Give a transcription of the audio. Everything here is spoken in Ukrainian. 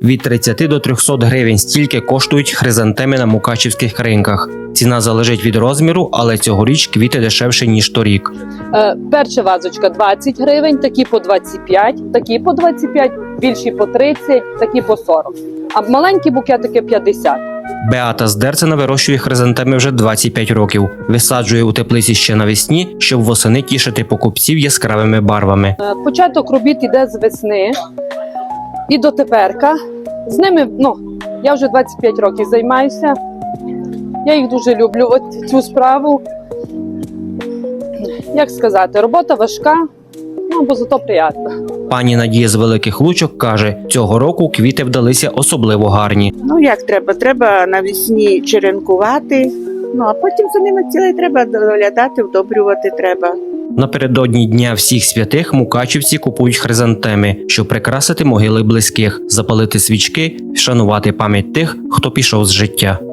Від 30 до 300 гривень стільки коштують хризантеми на мукачівських ринках. Ціна залежить від розміру, але цьогоріч квіти дешевші, ніж торік. Перша вазочка 20 гривень, такі по 25, такі по 25, більші по 30, такі по 40. А маленькі букетики 50. Беата з Дерцена вирощує хризантеми вже 25 років. Висаджує у теплиці ще навесні, щоб восени тішити покупців яскравими барвами. Початок робіт іде з весни і до теперка. З ними, я вже 25 років займаюся. Я їх дуже люблю, цю справу. Як сказати, робота важка, бо зато приємно. Пані Надія з Великих Лучок каже, цього року квіти вдалися особливо гарні. Як треба? Треба навесні черенкувати, а потім за ними цілий треба доглядати, вдобрювати треба. Напередодні Дня всіх святих мукачівці купують хризантеми, щоб прикрасити могили близьких, запалити свічки, вшанувати пам'ять тих, хто пішов з життя.